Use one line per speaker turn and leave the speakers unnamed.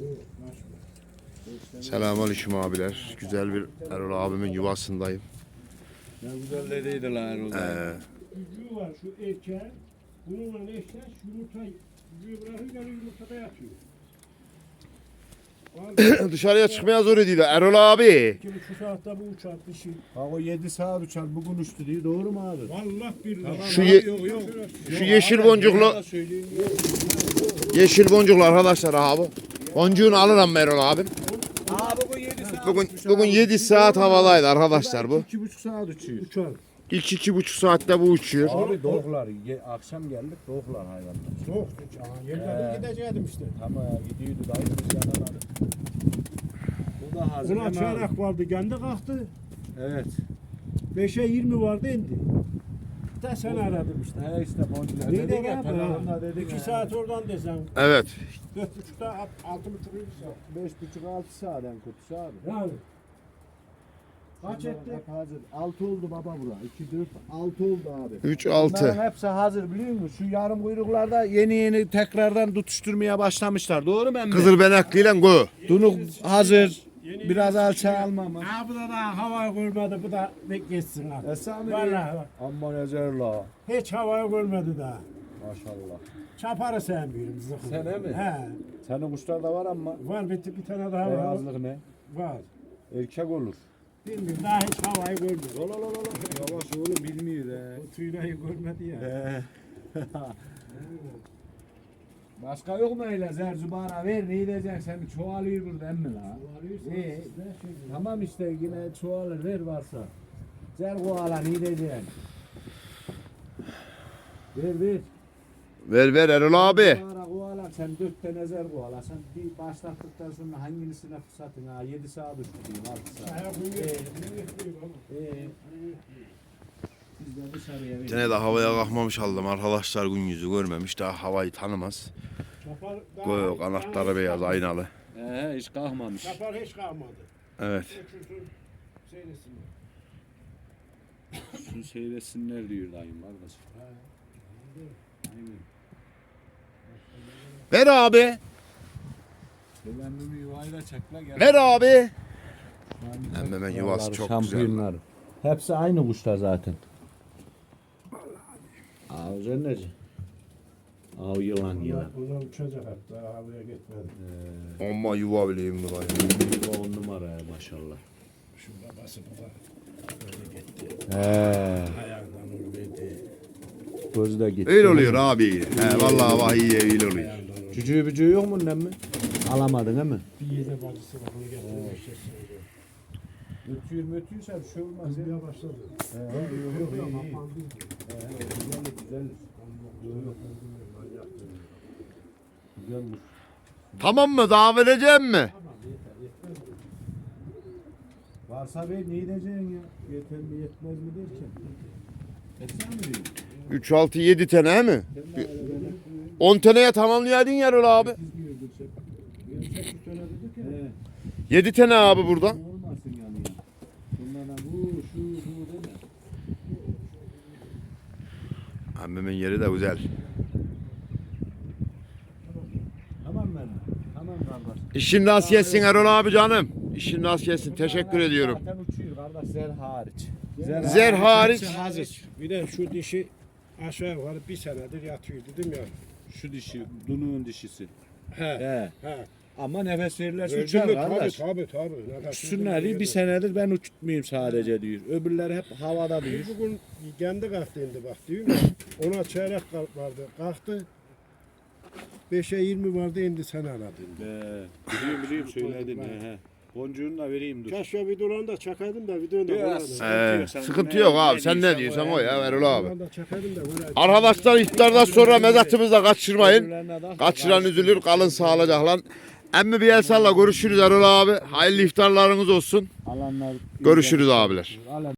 Selamünaleyküm abiler. Güzel bir Erol abimin yuvasındayım.
Ne güzel dediydi lan Erol.
Cücüğü var şu erkeğin. Bununla eşleş yumurta cücüğü bırakınca yumurtada yatıyor.
Dışarıya çıkmaya zor ediyor Erol abi.
2,5 saatte bu uçar dişi.
Ha o 7 saat uçar bugün uçtu diye doğru mu abi?
Vallahi billahi.
Şu yeşil boncuklu arkadaşlar abi. Boncuğunu alırım Erol abi.
Abi bu 7 saat
Bugün 7 saat havadaydı arkadaşlar bu.
2,5 saat uçuyor.
Uçar.
İlk 2,5 saatte bu uçuyor.
Abi doğuklar. Akşam geldik doğuklar hayvanlar.
Soğuk. Yemin gideceğim işte.
Tamam gidiyordu dayı biz yakaladık. Bu da hazır.
Buna çaylak vardı kendi kalktı.
Evet.
5'e 20 vardı indi. Da sen aradım işte.
He işte boncular.
Ne
Dedik
demek
ya telefonda
ha?
dedik.
2 saat oradan desem.
Evet.
4,5'da 6,5 saat.
5,5-6 saat en kötüsü abi.
Yani. Kaç etti?
Hazır. 6 oldu baba bura. 2, 4, 6 oldu abi.
3, 6.
Bunların hepsi hazır biliyor musun? Şu yarım kuyruklarda yeni tekrardan tutuşturmaya başlamışlar. Doğru mu emmi?
Kızılbenekliyle go.
Dunuk hazır. Biraz alça almamış.
Ha bu da daha havayı görmedi. Bu da geçsin artık.
Esami
Vallahi bak.
Aman ezerla.
Hiç havayı görmedi daha.
Maşallah.
Çaparı sevmiyorum zıkkı.
Sen he mi?
He.
Senin kuşlar da var ama.
Var bir tane daha var.
Beyazlık ne?
Var.
Erkek olur.
Bilmiyorum daha hiç havayı görmedi.
Yavaş oğlum bilmiyor he.
O tüyleri görmedi ya.
Başka yok mu öyle zerzubana ver ne edeceksin sen çoğalıyor burada emmi la. Tamam işte yine çoğalır ver varsa. Zer koala ne edeceksin? Ver.
Ver Erol abi.
Koala sen 4 tane zer koala sen bir başlattıktan sonra hangisine fırsatın ha 7 saat uçtu 6 saat. Biz de dışarıya ver.
Gene de havaya kalkmamış aldım arkadaşlar, gün yüzü görmemiş, daha havayı tanımaz. Göğü kanatları beyaz aynalı.
Hiç kalkmamış.
Çapar hiç kalmadı.
Evet.
Uçursun seyretsinler.
Şunu seyretsinler diyor dayım kardeş. Aynen.
Ver abi.
Selamımı yuvayla çekle gel.
Ver abi. Hemen yuvası çok güzel.
Şampiyonlar. Hepsi aynı kuşlar zaten. Av cenneci. Av yılan.
Bunlar uçacak hatta havaya gitmedi.
Ama yuva bileyim mi var?
Yuva 10 numara ya maşallah.
Şu babası bu da böyle gitti.
He.
Ayağından ölmedi.
Gözü de gitti.
Öyle oluyor abi. He vallahi vahiy öyle oluyor.
Cücüğü bücüğü yok mu ne mi? Alamadın değil mi?
Bir yere bacısı var onu getirmiş.
Ötüyürse bir şey olmaz.
Kızmaya başladı.
Yok iyi. Güzel. Güzelmiş.
Tamam mı? Daha vereceğim mi?
Varsa ver ne edeceksin ya? Yeter mi yetmez mi derken. Etsen mi diyor?
3, 6, 7 tane he mi? 10 taneye tamamlayaydın ya Erol abi. 7 tane abi burada.
Olmasın yani ya. Bunlardan bu deme.
Ammemin yeri de güzel.
Tamam ben. Tamam kardeş.
İşin rast gelsin Erol abi canım. İşin rast gelsin. Teşekkür ediyorum.
Zaten uçuyor kardeş zer hariç.
Zer hariç.
hazır.
Bir de şu dişi aşağı yukarı bir senedir yatıyor dedim ya.
Şu dişi, dunuğun dişisi.
He.
He.
He.
Ama nefes verirlerse
Verdim
uçar
mi?
kardeş.
Tabii.
Uçsunlar diye bir senedir ben uçutmayayım sadece diyor. Öbürleri hep havada diyor.
Bugün kendi kalktı indi bak diyor mu? Ona çeyrek vardı. Kalktı. 5'e 20 vardı indi sen aradın.
Biliyorum söyledin. He. Boncuğunu da vereyim dur.
Keşke videolarını da çakaydım da videonu da koyardım.
Sıkıntı yok abi. Sen ne diyorsan o ya Erol abi.
Videolarını da çakaydım da koyardım.
Arkadaşlar iftardan sonra mezatımızı kaçırmayın. Kaçıran üzülür, kalın sağlıcakla. Emmi bir el salla, görüşürüz Erol abi. Hayırlı iftarlarınız olsun.
Alanlar
Görüşürüz abiler.